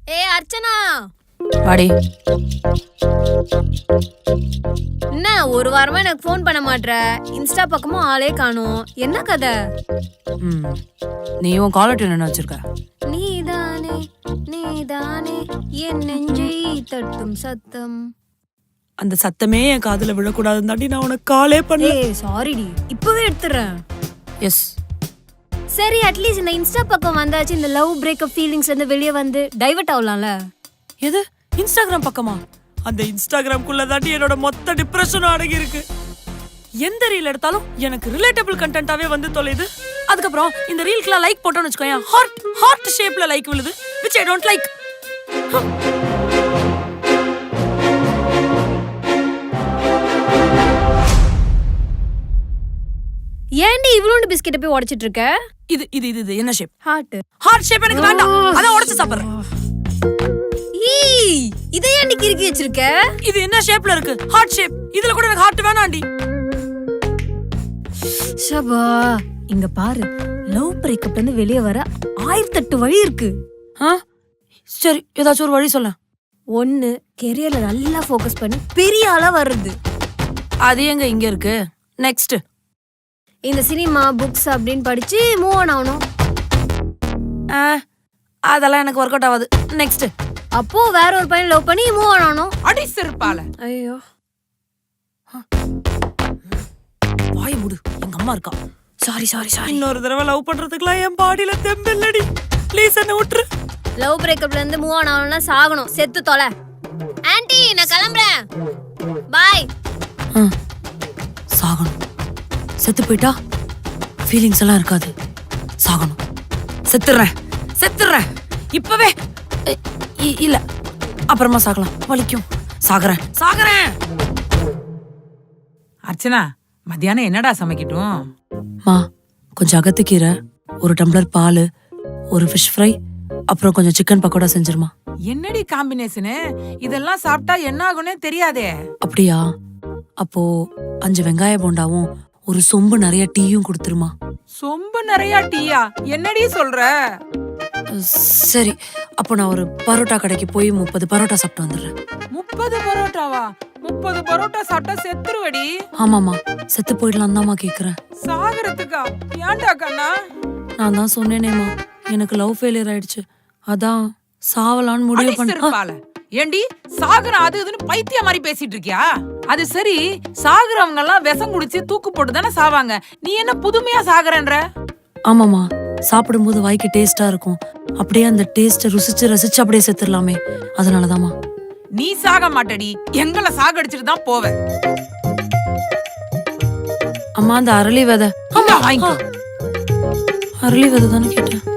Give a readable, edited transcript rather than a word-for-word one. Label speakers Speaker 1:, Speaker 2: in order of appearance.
Speaker 1: ஏ அர்ச்சனா,
Speaker 2: வாடி.
Speaker 1: என்ன ஒரு வாரமா எனக்கு ஃபோன் பண்ண மாட்ற? இன்ஸ்டா பக்கமும் ஆளே காணோம். என்ன கதை?
Speaker 2: நீ உன் காலர் டியூன் என்ன வச்சிருக்க?
Speaker 1: நீதானே நீதானே என் நெஞ்சை தட்டும் சத்தம்.
Speaker 2: அந்த சத்தமே என் காதுல விழக்கூடாதுன்னு தாண்டி நான் உனக்கு காலே பண்ணல.
Speaker 1: ஏய் சாரிடி, இப்பவே எடுத்துறேன்.
Speaker 2: எஸ்.
Speaker 1: சரி, அட்லீஸ்ட் இந்த இன்ஸ்டா பக்கம் வந்தாச்சு, இந்த லவ் பிரேக்கப் ஃபீலிங்ஸ்ல இருந்து வெளியே வந்து டைவர்ட் ஆகலாம்ல.
Speaker 2: எது இன்ஸ்டாகிராம் பக்கமா? அந்த இன்ஸ்டாகிராம்குள்ள தாண்டி என்னோட மொத்த டிப்ரெஷனும் அடங்கி இருக்கு. எந்த ரீல் எடுத்தாலும் எனக்கு ரிலேட்டபிள் கண்டென்ட்டாவே வந்து தொலைது. அதுக்கப்புறம் இந்த ரீல்க்குலாம் லைக் போட்டோன்னு வச்சுக்கோங்க, ஹார்ட் ஷேப்ல லைக் விழுது, which I don't like.
Speaker 1: ஏன்டி இவ்வளோண்டு பிஸ்கெட்டை போய் உடைச்சிட்டு இருக்க?
Speaker 2: இது இது இது என்ன ஷேப்?
Speaker 1: ஹார்ட்
Speaker 2: ஷேப் எனக்கு வேண்டாம், அத உடைச்சு சாப்பிடுறேன்.
Speaker 1: இதை ஏன்டி கிறுக்கி வச்சிருக்க?
Speaker 2: இது என்ன ஷேப்ல இருக்கு? Heart shape. இதுல கூட எனக்கு ஹார்ட் வேணாம்டி.
Speaker 1: ஷபா, இங்க பாரு, லவ் பிரேக்கப்ல இருந்து வெளியே வர 1008 வழி இருக்கு.
Speaker 2: சரி, ஏதாச்சும் ஒரு வழி சொல்ல.
Speaker 1: ஒன்னு, கெரியர்ல நல்லா ஃபோக்கஸ் பண்ணி பெரிய ஆளா வர்றது.
Speaker 2: அது எங்க இங்க இருக்கு? நெக்ஸ்ட்,
Speaker 1: இந்த சினிமா புக்ஸ் அப்படின்னு படிச்சு மூவ் ஆன் ஆகணும்.
Speaker 2: அதெல்லாம் எனக்கு ஒர்க் அவுட் ஆகாது. நெக்ஸ்ட்,
Speaker 1: அப்போ வேற ஒரு பையன் லவ் பண்ணி மூவ் ஆன் ஆகணும்.
Speaker 2: அடி செருப்பால.
Speaker 1: ஐயோ,
Speaker 2: வாய் மூடு, எங்க அம்மா இருக்கா. சாரி. இன்னொரு தடவை லவ் பண்றதுக்குலாம் என் பாடியில தெம்பில்லடி. ப்ளீஸ் என்ன விட்டுரு.
Speaker 1: லவ் பிரேக்கப்ல இருந்து மூவ் ஆன் ஆகணும்னா சாகணும், செத்து தொலை. ஆன்ட்டி, நான் கிளம்புறேன், பாய்.
Speaker 2: சாகணும். செத்து போயிட்டா ஃபீலிங்ஸ் எல்லாம் இருக்காது. சாகணும். செத்துறேன் இப்பவே. இல்ல, அப்புறமா சாகலாம், வலிக்கும். சாகறேன்.
Speaker 3: அர்ச்சனா, மத்தியானம் என்னடா சமைக்கட்டும்?
Speaker 2: மா, கொஞ்சம் அகத்துக்கீரை, ஒரு டம்ளர் பால், ஒரு ஃபிஷ் ஃப்ரை, அப்புறம் கொஞ்சம் சிக்கன் பக்கோடா செஞ்சிருமா.
Speaker 3: என்னடி காம்பினேஷனு? இதெல்லாம் சாப்பிட்டா என்ன ஆகும்னே தெரியாதே.
Speaker 2: அப்படியா? அப்போ 5 வெங்காய போண்டாவும் ஒரு சொம்பு நிறைய டீயும் கொடுத்துருமா.
Speaker 3: சொம்பு நிறைய டீயா? என்னடி சொல்ற?
Speaker 2: சரி, அப்போ நான் ஒரு பரோட்டா கடைக்கு போய் 30 பரோட்டா சாப்பிட்டு வந்துடுறேன்.
Speaker 3: 30 பரோட்டாவா? 30 பரோட்டா சாப்பிட்டா செத்துருவடி.
Speaker 2: ஆமாமா, செத்து போயிடலாம் தான்மா கேக்குறேன்.
Speaker 3: சாகறதுக்கா? ஏன்டா கண்ணா?
Speaker 2: நான் தான் சொன்னேனேமா, எனக்கு லவ் ஃபெயிலியர் ஆயிடுச்சு, அதான் சாவலான்னு முடிவு பண்ணேன்.
Speaker 3: ஏண்டி சாகுற அது இதுன்னு பைத்திய மாதிரி பேசிட்டு இருக்கியா? அது சரி, சாகுறவங்க எல்லாம் விஷம் குடிச்சு தூக்கு போட்டு தானே சாவாங்க. நீ என்ன புதுமையா சாகுறன்ற?
Speaker 2: ஆமாமா, சாப்பிடும்போது வாய்க்கு டேஸ்டா இருக்கும், அப்படியே அந்த டேஸ்ட ரசிச்சு அப்படியே செத்துடலாமே, அதனாலதாமா.
Speaker 3: நீ சாக மாட்டடி, எங்களை சாகடிச்சிட்டு தான் போவ.
Speaker 2: அம்மா, அந்த அரளி விதை.
Speaker 3: வாங்கிக்கோ.
Speaker 2: அரளி விதை தானே கேட்டேன்.